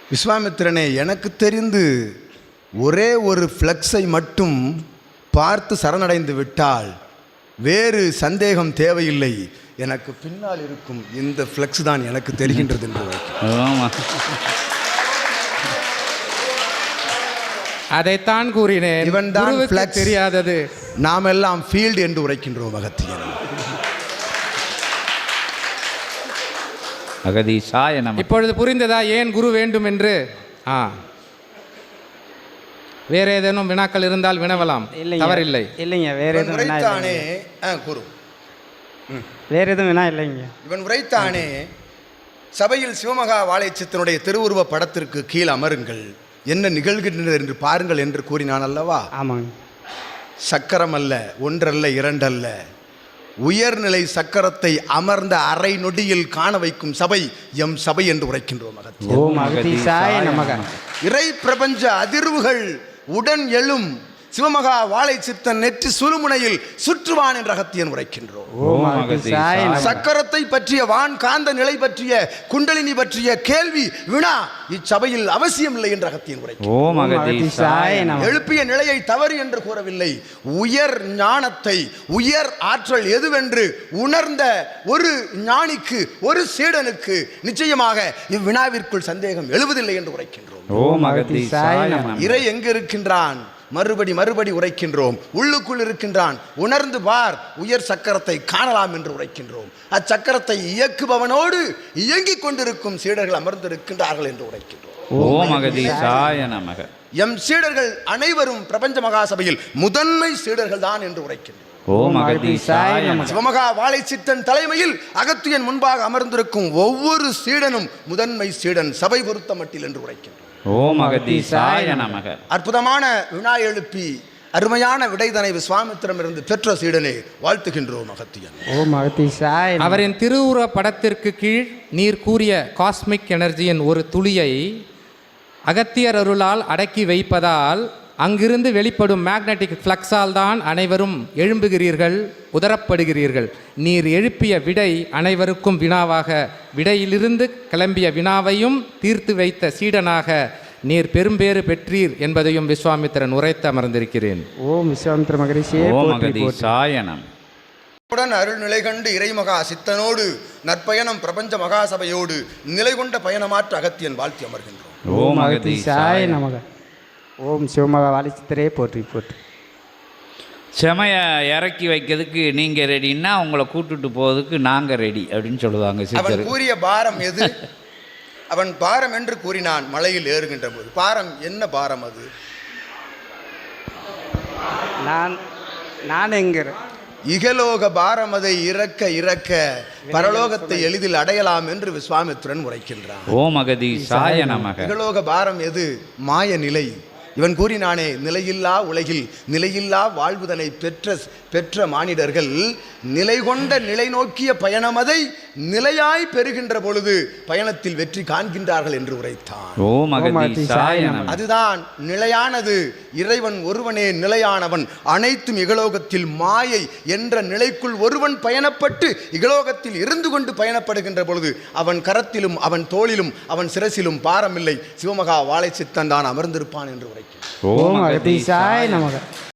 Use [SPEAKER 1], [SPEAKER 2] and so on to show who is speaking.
[SPEAKER 1] விஸ்வாமித்திரனே, எனக்கு தெரிந்து ஒரே ஒரு ஃப்ளக்ஸை மட்டும் பார்த்து சரணடைந்து விட்டால் வேறு சந்தேகம் தேவையில்லை. எனக்கு பின்னால் இருக்கும் இந்த ஃப்ளக்ஸ் தான் எனக்கு தெரிகின்றது என்று
[SPEAKER 2] அதைத்தான் கூறினேன்.
[SPEAKER 1] இவன் தான் ஃப்ளக்ஸ்,
[SPEAKER 2] தெரியாதது.
[SPEAKER 1] நாம் எல்லாம் ஃபீல்டு என்று உரைக்கின்றோம். அகத்தியன்
[SPEAKER 3] அகதீசாய நமக.
[SPEAKER 2] இப்பொழுது புரிந்ததா ஏன் குரு வேண்டும் என்று? வேற ஏதேனும் வினாக்கள் இருந்தால் வினவலாம், தவறில்லை.
[SPEAKER 4] இல்லைங்க, வேற எதுவும்
[SPEAKER 1] உரைத்தானே குரு,
[SPEAKER 4] வேற எதுவும் வினா இல்லைங்க.
[SPEAKER 1] இவன் உரைத்தானே, சபையில் சிவமகா வாழைச்சித்தனுடைய திருவுருவ படத்திற்கு கீழ் அமருங்கள், என்ன நிகழ்கின்றது என்று பாருங்கள் என்று கூறினான் அல்லவா?
[SPEAKER 4] ஆமாங்க.
[SPEAKER 1] சக்கரம் அல்ல, ஒன்றல்ல, இரண்டல்ல, உயர்நிலை சக்கரத்தை அமர்ந்த அரை நொடியில் காண வைக்கும் சபை எம் சபை என்று உரைக்கின்றோம்.
[SPEAKER 4] ஓம் அகதீசாய நமக.
[SPEAKER 1] இறை பிரபஞ்ச அதிர்வுகள் உடன் எழும் சிவமகா வாழை சித்தன் நெற்றி சுழுமுனையில் சுற்றுவான் என்ற அகத்தியன் உரைக்கின்றோம். சக்கரத்தை பற்றிய வான் காந்த நிலை பற்றிய குண்டலினி பற்றிய கேள்வி வினா இச்சபையில் அவசியம் இல்லை என்ற அகத்தியன் உரைக்கின்றோம். எழுப்பிய நிலையை தவறு என்று கூறவில்லை. உயர் ஞானத்தை, உயர் ஆற்றல் எதுவென்று உணர்ந்த ஒரு ஞானிக்கு, ஒரு சீடனுக்கு நிச்சயமாக இவ்வினாவிற்குள் சந்தேகம் எழுவதில்லை என்று உரைக்கின்றோம். இறை எங்கு இருக்கின்றான்? மறுபடி உரைக்கின்றோம். உள்ளுக்குள் இருக்கின்றான், உணர்ந்து பார், உயர் சக்கரத்தை காணலாம் என்று உரைக்கின்றோம். அச்சக்கரத்தை இயக்குபவனோடு இயங்கிக் கொண்டிருக்கும் சீடர்கள் அமர்ந்திருக்கின்றார்கள் என்று உரைக்கின்றோம். எம் சீடர்கள் அனைவரும் பிரபஞ்ச மகாசபையில் முதன்மை சீடர்கள் தான் என்று உரைக்கின்றோம். சிவமகா வாழை சித்தன் தலைமையில் அகத்தியன் முன்பாக அமர்ந்திருக்கும் ஒவ்வொரு சீடனும் முதன்மை சீடன் சபை பொறுத்த மட்டில் என்று உரைக்கின்றோம். அற்புதமான வினா எழுப்பி அருமையான விடைதனை விஸ்வாமித்திரமிருந்து பெற்ற சீடனை வாழ்த்துகின்றோம். அகத்தியன்
[SPEAKER 2] அவரின் திருவுருவ படத்திற்கு கீழ் நீர் கூறிய காஸ்மிக் எனர்ஜியின் ஒரு துளியை அகத்தியர் அருளால் அடக்கி வைப்பதால் அங்கிருந்து வெளிப்படும் மேக்னெட்டிக் ஃப்ளக்ஸால் தான் அனைவரும் எழும்புகிறீர்கள், உதரப்படுகிறீர்கள். நீர் எழுப்பிய விடை அனைவருக்கும் வினாவாக, விடையிலிருந்து கிளம்பிய வினாவையும் தீர்த்து வைத்த சீடனாக நீர் பெரும்பேறு பெற்றீர் என்பதையும் விஸ்வாமித்திரன் உரைத்து அமர்ந்திருக்கிறேன்.
[SPEAKER 4] ஓம் விஸ்வாமித்திர மகரிஷியே
[SPEAKER 1] உடன் அருள் நிலை கண்டு இறைமகா சித்தனோடு நற்பயணம் பிரபஞ்ச மகாசபையோடு நிலை கொண்ட பயணமாற்ற அகத்தியன் வாழ்த்தி அமர்கின்றோம்.
[SPEAKER 4] ஓம் அகதீசாய நமக. ஓம் சிவமகா வாழைச்சித்தரே போற்றி போற்றி.
[SPEAKER 3] செமையை இறக்கி வைக்கிறதுக்கு நீங்கள் ரெடின்னா உங்களை கூட்டுட்டு போவதுக்கு நாங்கள் ரெடி அப்படின்னு சொல்லுவாங்க.
[SPEAKER 1] அவன் கூறிய பாரம் எது? அவன் பாரம் என்று கூறினான் மலையில் ஏறுகின்ற போது. பாரம் என்ன பாரம் அது?
[SPEAKER 4] நான் என்கிற
[SPEAKER 1] இகலோக பாரம், அதை இறக்க இறக்க பரலோகத்தை எளிதில் அடையலாம் என்று விஸ்வாமித்திரன் உரைக்கின்றான்.
[SPEAKER 3] ஓம் அகதீசாய நமக.
[SPEAKER 1] இகலோக பாரம் எது? மாய நிலை. இவன் கூறினானே, நிலையில்லா உலகில் நிலையில்லா வாழ்வுதனை பெற்ற மானிடர்கள் நிலை கொண்ட நிலை நோக்கிய பயணமதை நிலையாய் பெறுகின்ற பொழுது பயணத்தில் வெற்றி காண்கின்றார்கள் என்று உரைத்தான். அதுதான் நிலையானது. இறைவன் ஒருவனே நிலையானவன். அனைத்தும் இகலோகத்தில் மாயை என்ற நிலைக்குள் ஒருவன் பயணப்பட்டு இகலோகத்தில் இருந்து கொண்டு பயணப்படுகின்ற பொழுது அவன் கரத்திலும் அவன் தோளிலும் அவன் சிரசிலும் பாரமில்லை. சிவமகா வாழை சித்தன் தான் அமர்ந்திருப்பான் என்று உரைக்கிறான்.
[SPEAKER 4] ஓம் அகதீசாய நமக.